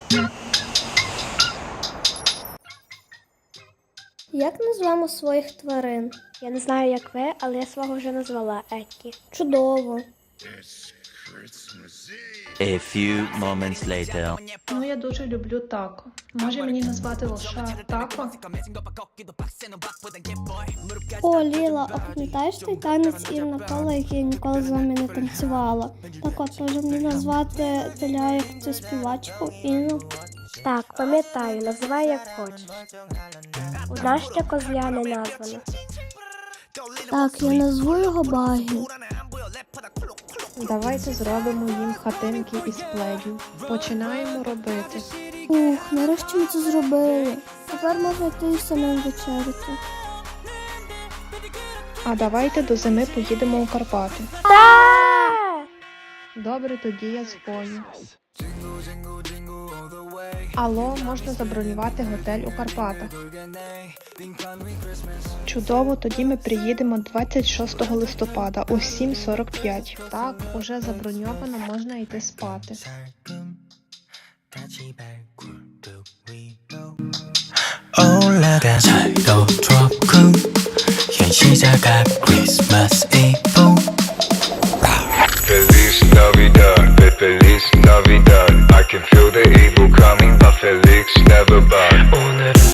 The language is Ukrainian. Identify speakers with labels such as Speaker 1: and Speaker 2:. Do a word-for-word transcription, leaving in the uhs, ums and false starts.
Speaker 1: Як назвемо своїх тварин?
Speaker 2: Я не знаю, як ви, але я свого вже назвала Еккі.
Speaker 1: Чудово.
Speaker 3: A few moments later.
Speaker 4: Ну, я дуже люблю тако. Може мені назвати лоша тако?
Speaker 1: О, Ліла, а пам'ятаєш той танець Інна Кола, який я ніколи з вами не танцювала? Так от, може мені назвати теля як цю співачку Інну?
Speaker 2: Так, пам'ятаю, називай як хочеш. У нас ще козля не названо.
Speaker 1: Так, я назву його Багі.
Speaker 4: Давайте зробимо їм хатинки із пледів. Починаємо робити.
Speaker 1: Ух, нарешті ми це зробили. Тепер можна йти і самим вечеряти.
Speaker 4: А давайте до зими поїдемо у Карпати.
Speaker 2: Та!
Speaker 4: Добре, тоді я дзвоню. Алло, можна забронювати готель у Карпатах. Чудово, тоді ми приїдемо двадцять шостого листопада о сім сорок п'ять. Так, уже заброньовано, можна йти спати.
Speaker 5: 올라간 살도 좋고 현시자가 Christmas Eve
Speaker 6: Feliz Navidad, Feliz Navidad I can feel the evil coming but Felix never bad 오늘은